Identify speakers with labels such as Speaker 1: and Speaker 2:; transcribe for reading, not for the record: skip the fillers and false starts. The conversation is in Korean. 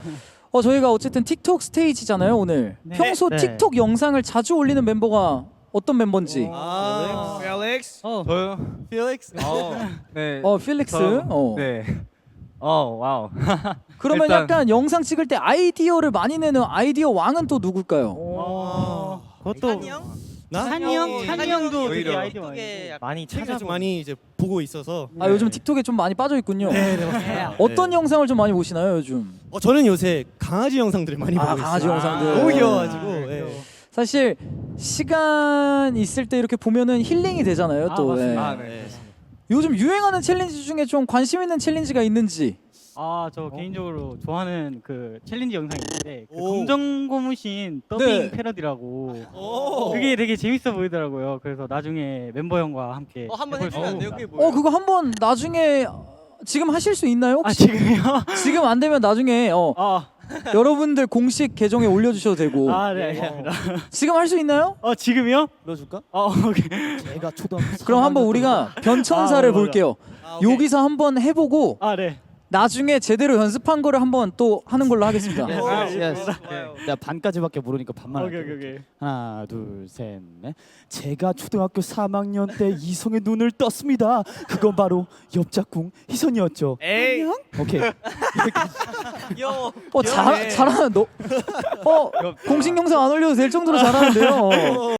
Speaker 1: 저희가 어쨌든 틱톡 스테이지잖아요 오늘.
Speaker 2: 네.
Speaker 1: 평소
Speaker 2: 네.
Speaker 1: 틱톡 영상을 자주 올리는 멤버가 어떤 멤버인지.
Speaker 3: 펠릭스.
Speaker 2: 저요?
Speaker 3: 펠릭스.
Speaker 2: 네.
Speaker 1: 필릭스.
Speaker 2: 네. 와우.
Speaker 1: 그러면
Speaker 2: 일단-
Speaker 1: 약간 영상 찍을 때 아이디어를 많이 내는 아이디어 왕은 또 누굴까요?
Speaker 2: 그것도
Speaker 4: 산이 형도 되게
Speaker 2: 오히려.
Speaker 4: 아이디어 많이
Speaker 3: 책을 좀 많이 이제 보고 있어서.
Speaker 1: 요즘 틱톡에 좀 많이 빠져 있군요.
Speaker 3: 네, 맞습니다.
Speaker 1: 어떤 영상을 좀 많이 보시나요 요즘?
Speaker 3: 저는 요새 강아지 영상들을 많이 보고 있어요.
Speaker 1: 강아지 영상들.
Speaker 3: 너무 귀여워가지고. 예.
Speaker 1: 사실 시간 있을 때 이렇게 보면은 힐링이 되잖아요 또.
Speaker 4: 맞습니다.
Speaker 1: 네. 요즘 유행하는 챌린지 중에 좀 관심 있는 챌린지가 있는지.
Speaker 4: 저 개인적으로 좋아하는 그 챌린지 영상이 있는데 그
Speaker 3: 오.
Speaker 4: 검정 고무신 더빙
Speaker 1: 네.
Speaker 4: 패러디라고
Speaker 3: 오.
Speaker 4: 그게 되게 재밌어 보이더라고요. 그래서 나중에 멤버 형과 함께
Speaker 3: 한번
Speaker 4: 해볼 수
Speaker 3: 해주면 안 돼요?
Speaker 4: 있습니다.
Speaker 3: 그게 뭐예요?
Speaker 1: 그거 한번 나중에 지금 하실 수 있나요 혹시?
Speaker 4: 지금요?
Speaker 1: 지금 안 되면 나중에 여러분들 공식 계정에 올려주셔도 되고.
Speaker 4: 네, 알겠습니다.
Speaker 1: 지금 할 수 있나요?
Speaker 4: 지금요?
Speaker 3: 불러줄까?
Speaker 4: 오케이.
Speaker 3: 제가 초등학교.
Speaker 1: 그럼 한번 우리가 변천사를
Speaker 4: 맞아.
Speaker 1: 볼게요.
Speaker 3: 오케이.
Speaker 1: 여기서 한번 해보고
Speaker 4: 네.
Speaker 1: 나중에 제대로 연습한 거를 한번 또 하는 걸로 하겠습니다.
Speaker 5: 내가 반까지밖에 모르니까 반만 할게.
Speaker 4: 오케이.
Speaker 5: 하나, 둘, 셋, 넷. 제가 초등학교 3학년 때 이성의 눈을 떴습니다. 그건 바로 옆짝꿍 희선이었죠.
Speaker 3: 에이.
Speaker 5: 오케이.
Speaker 1: 잘하는 너. 공식 영상 안 올려도 될 정도로 잘하는데요.